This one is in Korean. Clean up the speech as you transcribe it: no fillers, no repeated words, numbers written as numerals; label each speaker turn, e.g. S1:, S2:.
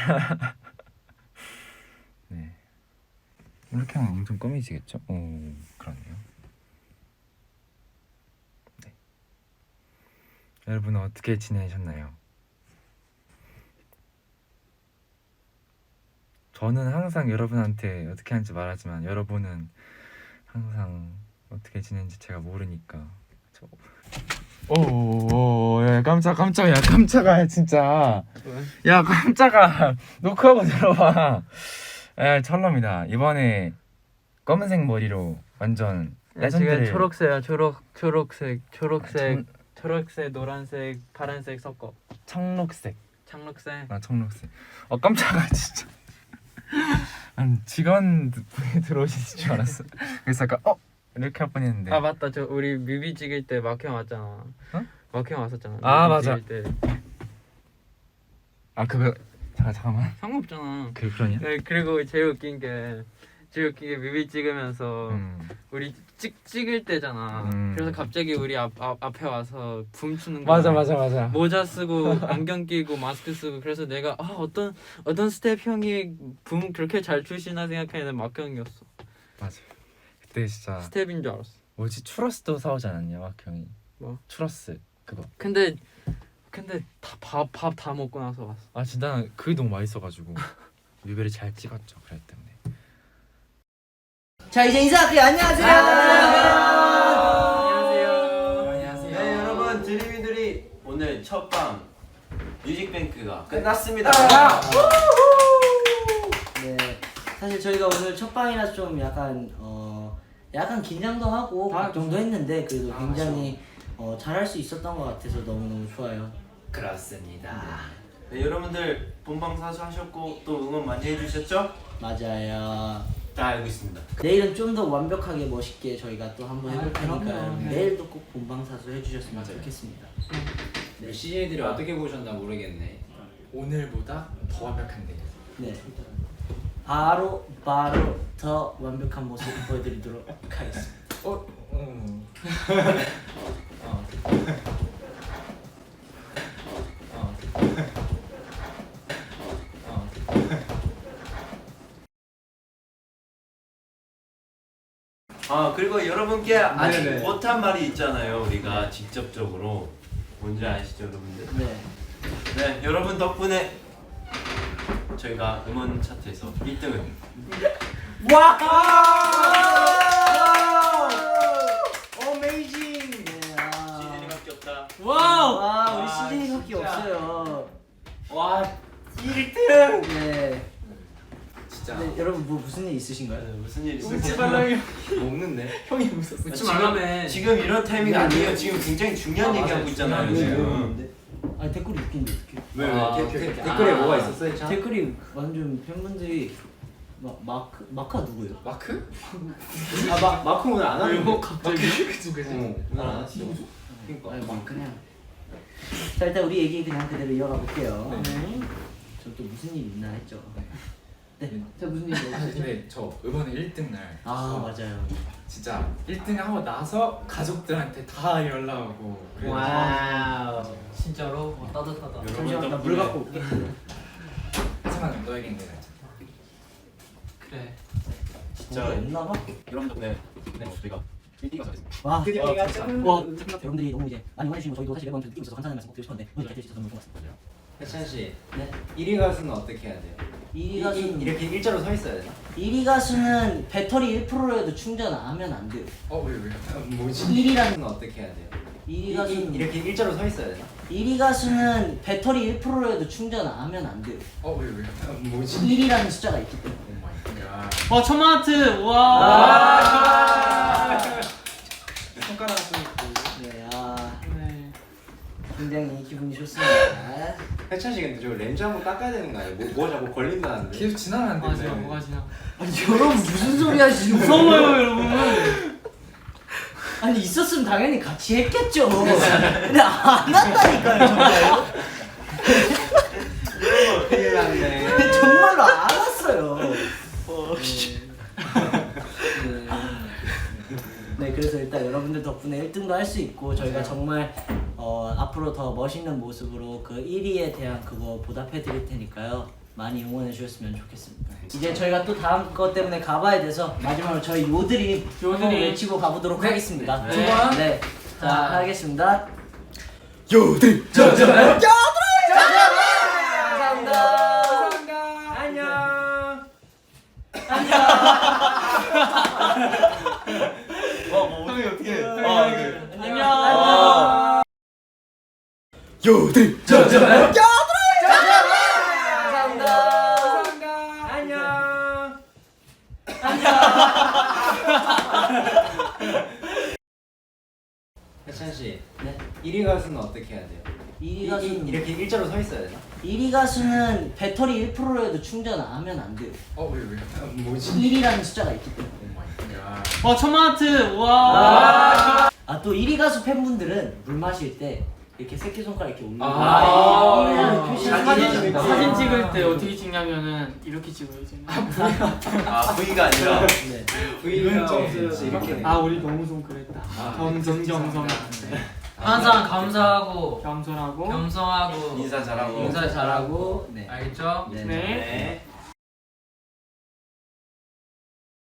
S1: 네. 이렇게 하면 엄청 검해지겠죠? 오, 그러네요. 네. 여러분은 어떻게 지내셨나요? 저는 항상 여러분한테 어떻게 하는지 말하지만 여러분은 항상 어떻게 지내는지 제가 모르니까. 오, 야 깜짝아 진짜.
S2: 왜?
S1: 야 깜짝아, 노크하고 들어봐. 에 철럼이다. 이번에 검은색 머리로 완전 레전드를.
S2: 지금 초록색이야. 초록색, 노란색, 파란색 섞어.
S1: 청록색.
S2: 청록색.
S1: 아 청록색. 깜짝아 진짜. 아니 직원분이 들어오실 줄 알았어. 그래서 약간 이렇게 할 뻔했는데.
S2: 아 맞다. 저 우리 뮤비 찍을 때 마크 형 왔잖아.
S1: 어?
S2: 마크 형 왔었잖아.
S1: 아,
S2: 뮤비
S1: 맞아.
S2: 찍을 때.
S1: 그거 잠깐만.
S2: 상관없잖아.
S1: 그러냐?
S2: 네, 그리고 제일 웃긴 게 뮤비 찍으면서 우리 찍을 때잖아. 그래서 갑자기 우리 앞에 와서 붐추는 거야.
S1: 맞아.
S2: 모자 쓰고 안경 끼고 마스크 쓰고. 그래서 내가 어떤 스텝 형이 붐 그렇게 잘 추시나 생각했는데 마크 형이었어.
S1: 맞아. 그때 진짜
S2: 스텝인 줄 알았어.
S1: 뭐지 추러스도 사오지 않았냐 막 형이.
S2: 뭐?
S1: 추러스 그거.
S2: 근데 밥 다 먹고 나서 왔어.
S1: 아 진짜 그게 너무 맛있어가지고 뮤비를 잘 찍었죠. 그랬기 때문에.
S3: 자 이제 인사할게요. 안녕하세요.
S2: 안녕하세요.
S4: 네 여러분, 드림이들이 오늘 첫방 뮤직뱅크가 끝났습니다.
S3: 네, 사실 저희가 오늘 첫 방이라 좀 약간 긴장도 하고 걱정도 했는데 그래도 굉장히 잘할 수 있었던 것 같아서 너무너무 좋아요.
S4: 그렇습니다. 네 여러분들 본방 사수하셨고 또 응원 많이 해주셨죠?
S3: 맞아요.
S4: 다 알고 있습니다.
S3: 내일은 좀 더 완벽하게 멋있게 저희가 또 한번 해볼 테니까
S2: 그럼요.
S3: 여러분
S2: 네.
S3: 내일도 꼭 본방사수 해주셨으면
S5: 맞아요.
S3: 좋겠습니다.
S5: 우리 CJ들이 어떻게 보셨나 모르겠네.
S1: 오늘보다 더 완벽한데.
S3: 네, 바로 더 완벽한 모습 보여드리도록 하겠습니다.
S4: 그리고 여러분께 아직
S5: 네네.
S4: 못한 말이 있잖아요. 우리가 직접적으로 뭔지 아시죠 여러분들?
S3: 네,
S4: 네 여러분 덕분에 저희가 음원 차트에서 1등을
S3: 와! 어메이징! 네,
S4: 시즌이밖에 없다.
S3: 와, 우리 시즌이밖에 없어요.
S5: 와
S4: 1등!
S3: 네.
S5: 진짜
S3: 네, 여러분 뭐 무슨 일 있으신가요?
S4: 무슨 일 있어요?
S5: 웃지 말라며. 먹는데? 형이 웃었어.
S2: 웃지 말라며.
S4: 지금 이런 타이밍 아니에요. 지금 굉장히 중요한 얘기하고 있잖아요
S3: 네,
S4: 지금.
S3: 아니 댓글이 웃긴데 어떡해?
S5: 왜? 댓글에 뭐가 있었어요? 참?
S3: 댓글이 완전 팬분들이 마카 누구예요?
S5: 마크? 마크 오늘 안 하는 거
S2: 갑자기?
S5: 그치. 오늘 안 하시죠? 그러니까.
S3: 아니 막 그냥. 자 일단 우리 얘기 그냥 그대로 이어가 볼게요.
S5: 네.
S3: 저 또 무슨 일 있나 했죠. 네.
S6: 자 무슨 얘기예요?
S1: 근데 저 이번에 1등 날
S3: 맞아요.
S1: 진짜 1등 하고 나서 가족들한테 다 연락 오고.
S3: 와우.
S2: 진짜로 따뜻하다.
S3: 잠시만 나 물 갖고 올게.
S1: 하지만 너에겐 내가
S2: 그래.
S4: 진짜
S3: 없나 봐.
S4: 여러분 덕분에 저희가 1등이 됐습니다.
S3: 와.
S5: 드디어
S3: 와,
S5: 얘기하죠.
S3: 여러분들이 너무 이제 많이 원해주시면 저희도 사실 매번 좀 느끼고 있어서 감사하는 말씀 꼭 드리고 싶었는데 오늘 잘 해주셔서 너무 고맙습니다.
S5: 해찬 씨,
S3: 네.
S5: 1위 가수는 어떻게 해야 돼요?
S3: 1위 가수는
S5: 이렇게 일자로 서 있어야 되나?
S3: 1위 가수는 배터리 1%라도 충전 안 하면 안 돼요.
S1: 왜?
S5: 뭐지?
S3: 1위라는
S5: 가수는 어떻게 해야 돼요?
S3: 1위 가수는
S5: 이렇게 일자로 서 있어야 되나?
S3: 1위 가수는 배터리 1%라도 충전 안 하면 안 돼요.
S1: 왜?
S5: 뭐지?
S3: 1이라는 숫자가 있기 때문에.
S2: 와 천만 하트. 와.
S1: 손가락 좀 있고.
S3: 네,
S2: 네.
S3: 굉장히 기분이 좋습니다.
S5: 해찬 씨 근데 저 렌즈 한번 닦아야 되는 거 아니에요? 뭐 자꾸 걸린다는데?
S1: 계속 지나면 안
S2: 뭐가
S1: 되네.
S2: 지나 뭐가 지나.
S3: 아니 여러분 무슨 소리 하시는
S2: 무서워요 여러분.
S3: 아니 있었으면 당연히 같이 했겠죠. 근데 안 한다니까요 정말로.
S5: 큰일 났네.
S3: 정말로 안 왔어요. 네, 그래서 일단 여러분들 덕분에 1등도 할 수 있고 저희가 정말 앞으로 더 멋있는 모습으로 그 1위에 대한 그거 보답해 드릴 테니까요. 많이 응원해 주셨으면 좋겠습니다. 이제 저희가 또 다음 것 때문에 가봐야 돼서 마지막으로 저희 요드림 외치고 가보도록 하겠습니다.
S2: 두 번.
S3: 네. 자, 하겠습니다.
S1: 요들
S3: 감사합니다.
S4: 안녕.
S1: 형이 어떻게 해?
S3: 안녕.
S1: 요들
S3: 감사합니다.
S4: 안녕.
S5: 해찬 씨,
S3: 네.
S5: 1위 가수는 어떻게 해야 돼요?
S3: 1위 가수는
S5: 이렇게 일자로 서 있어야 되나?
S3: 1위 가수는 배터리 1%라도 충전하면 안 돼요.
S1: 왜?
S5: 뭐지?
S3: 1이라는 숫자가 있기 때문에.
S2: 와 천만 하트. 와.
S3: 아, 또 1위 가수 팬분들은 물 마실 때 이렇게 새끼손가락 이렇게 올리고
S2: 아.
S3: 1이라는 표시를
S2: 사진
S3: 해주시면
S2: 찍을 때 어떻게 찍냐면은 이렇게 찍어야지.
S4: 아 V가 아니라.
S3: 네.
S5: V는 점수 이렇게
S2: 아 우리 너무 좀 그랬다. 겸손.
S6: 항상 감사하고
S2: 겸손하고
S6: 겸손하고
S4: 인사 잘하고.
S6: 인사 잘하고
S3: 네.
S6: 알겠죠?
S3: 네.
S2: 네.
S4: 네.